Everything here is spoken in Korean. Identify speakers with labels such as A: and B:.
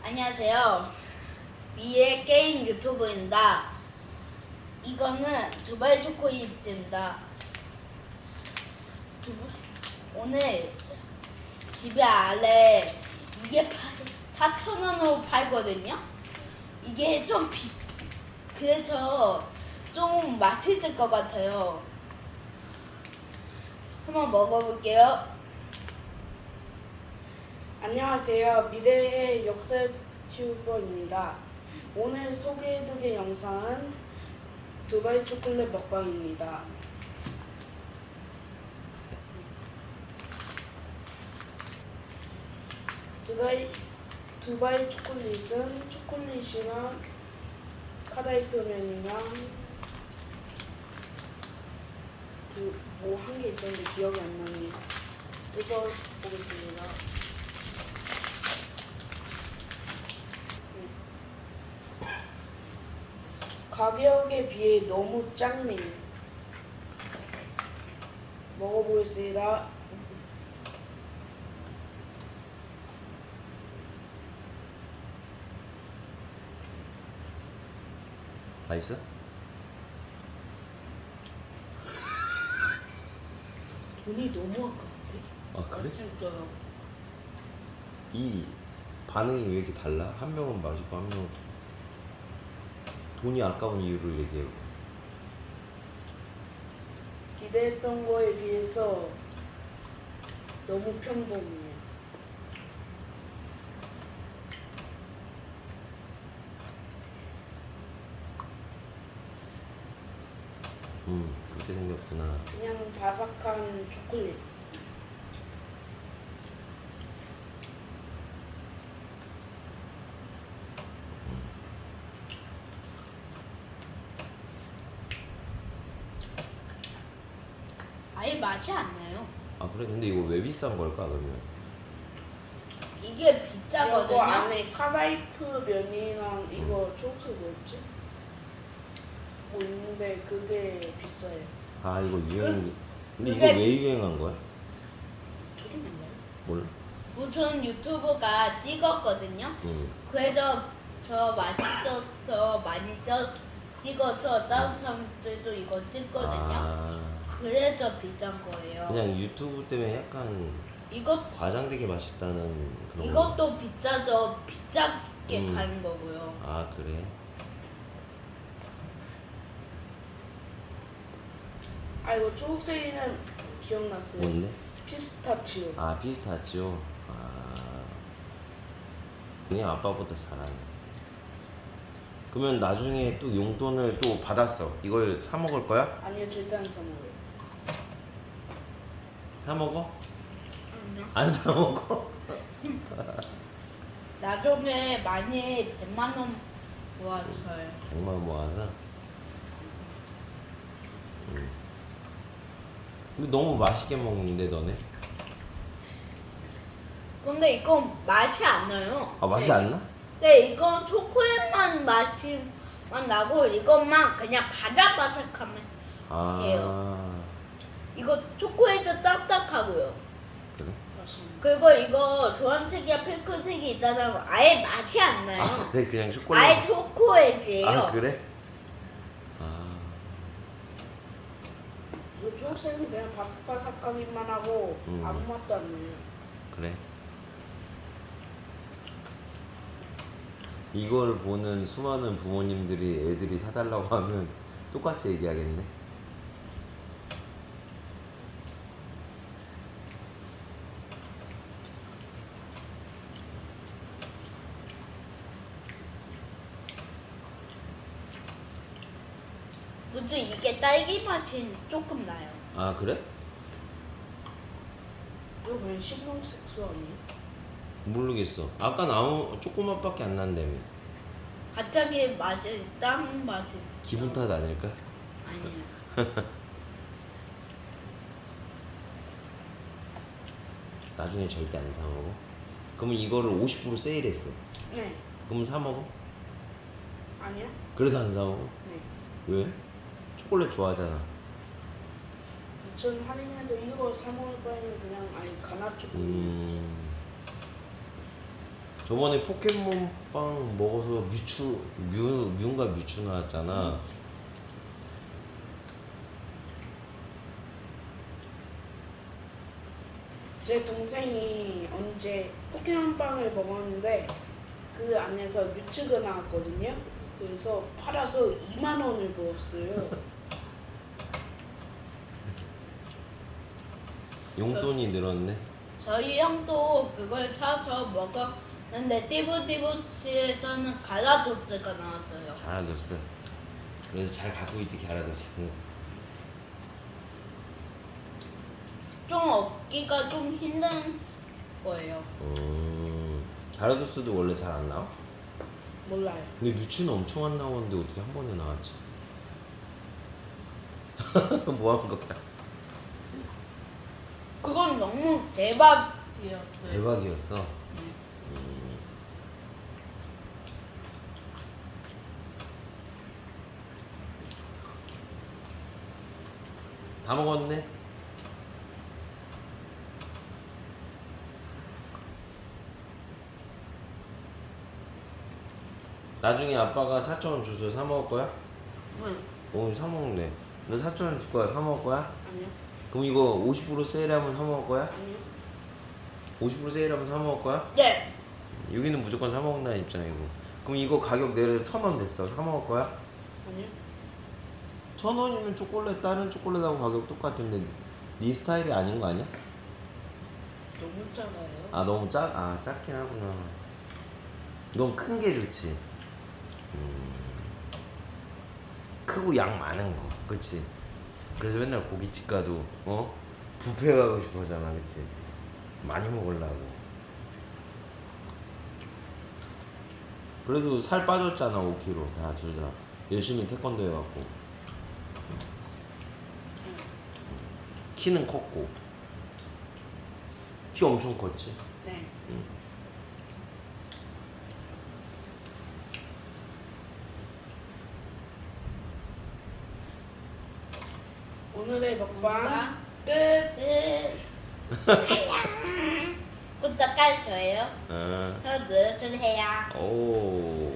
A: 안녕하세요. 미의 게임 유튜브입니다. 이거는 두바이 초코칩입니다. 오늘 집에 아래 이게 4,000원으로 팔거든요. 이게 좀 그래서 좀 맛있을 것 같아요. 한번 먹어볼게요.
B: 안녕하세요. 미래의 역사 튜버입니다. 오늘 소개해드릴 영상은 두바이 초콜릿 먹방입니다. 두바이 초콜릿은 초콜릿이랑 카다이프면이랑 뭐 한 개 있었는데 기억이 안 나네요. 뜯어보겠습니다. 가격에 비해 너무 작네요. 먹어보겠습니다.
C: 맛있어?
B: 돈이 너무 아까운데?
C: 아 그래?
A: 진짜요.
C: 이 반응이 왜 이렇게 달라? 한 명은 맛있고 한 명은 돈이 아까운 이유를 얘기해.
B: 기대했던 거에 비해서 너무 평범해요.
C: 그렇게 생겼구나.
B: 그냥 바삭한 초콜릿.
A: 아예 맛이 안 나요.
C: 아 그래? 근데 이거 왜 비싼 걸까 그러면?
A: 이게
B: 이거
A: 비싸거든요.
B: 안에 카다이프 면이랑 이거 초록색 뭐였지? 뭐 있는데 그게 비싸요.
C: 아 이거 유행. 근데 이거
A: 그게-
C: 왜 유행한 거야?
B: 저도 몰라요.
C: 몰라.
A: 무슨 유튜브가 찍었거든요. 그래서 저 맛있어서 많이 찍어서 다른 사람들도 이거 찍거든요.
C: 아
A: 그래서 비싼 거예요.
C: 그냥 유튜브 때문에 약간 과장되게 맛있다는 그런 거.
A: 이것도 비싸서 비싸게 파는 거고요.
C: 아 그래?
B: 아 이거 초록색이는 기억났어요.
C: 뭔데?
B: 피스타치오.
C: 아 피스타치오. 아 그냥 아빠보다 잘하네. 그러면 나중에 또 용돈을 또 받았어. 이걸 사 먹을 거야?
B: 아니요 절대 안 사 먹어요.
C: 사 먹어?
A: 아니요.
C: 안 사 먹어?
A: 나중에 많이 100만 원 모아줘요.
C: 100만 원 모아서. 근데 너무 맛있게 먹는데 너네?
A: 근데 이건 맛이 안 나요.
C: 아 맛이
A: 네.
C: 안 나?
A: 네, 이건 초콜릿만 맛이만 나고 이것만 그냥 바삭바삭하면
C: 아
A: 이거 초콜릿도 딱딱하고요.
C: 그래?
B: 맞습니다.
A: 그리고 이거 주황색이랑 핑크색이 있잖아요. 아예 맛이 안 나요.
C: 아 그래 그냥 초콜릿.
A: 아예 초콜릿이에요.
C: 아 그래? 아
B: 이거 초록색은 그냥 바삭바삭하기만 하고 아무 맛도 안 나요.
C: 그래? 이걸 보는 수많은 부모님들이 애들이 사달라고 하면 똑같이 얘기하겠네.
A: 무슨 이게 딸기 맛이 조금 나요.
C: 아 그래?
B: 이거 그냥 식용색소 아니에요?
C: 모르겠어. 아까 나온 조그맛밖에 안 난다며.
A: 갑자기 맛이 딴 맛이
C: 기분 탓 아닐까?
A: 아니에요.
C: 나중에 절대 안 사 먹어. 그러면 이거를 50% 세일했어.
B: 네.
C: 그럼 사 먹어?
B: 아니요?
C: 그래도 안 사 먹어?
B: 네.
C: 왜? 초콜릿 좋아하잖아.
B: 2,000 할인해도 이거 사 먹을 바에는 그냥 아니 가나 초콜릿.
C: 저번에 포켓몬빵 먹어서 뮤인가 뮤추 나왔잖아.
B: 제 동생이 언제 포켓몬빵을 먹었는데 그 안에서 뮤츠가 나왔거든요. 그래서 팔아서 2만 원을 벌었어요.
C: 용돈이 늘었네.
A: 저희 형도 그걸 사서 먹었는데 띠부띠부치에서는 갈라조스가 나왔어요.
C: 갸라도스. 그래서 잘 갖고 있지 갸라도스.
A: 좀 얻기가 좀 힘든 거예요.
C: 갸라도스도 원래 잘 안 나와?
B: 몰라요.
C: 근데 뮤츠는 엄청 안 나오는데 어떻게 한 번에 나왔지? 뭐 한 거야?
A: 그건 너무 대박이었어요.
C: 대박이었어.
A: 네.
C: 다 먹었네. 나중에 아빠가 4,000원 줘서 사 먹을 거야?
B: 응.
C: 오늘 사 먹네. 너 4,000원 줄 거야? 사 먹을 거야?
B: 아니요.
C: 그럼 이거 50% 세일하면 사 먹을 거야?
B: 아니요.
C: 50% 세일하면 사 먹을 거야?
A: 네.
C: 여기는 무조건 사 먹는다는 입장이고. 그럼 이거 가격 내려 1,000원 됐어. 사 먹을 거야?
B: 아니요.
C: 1,000원이면 초콜릿 다른 초콜릿하고 가격 똑같은데 네 스타일이 아닌 거 아니야?
B: 너무 작아요.
C: 아 너무 작긴 하구나. 너무 큰 게 좋지. 크고 양 많은 거, 그렇지? 그래서 맨날 고깃집 가도 뷔페 가고 싶어하잖아, 그렇지? 많이 먹으려고. 그래도 살 빠졌잖아, 5kg 다 둘 다. 열심히 태권도 해갖고. 키는 컸고. 키 엄청 컸지.
B: 네. 오늘의 먹방 끝.
A: 안녕. 구독할 거예요.
C: 아,
A: 눌러주세요.
C: 오.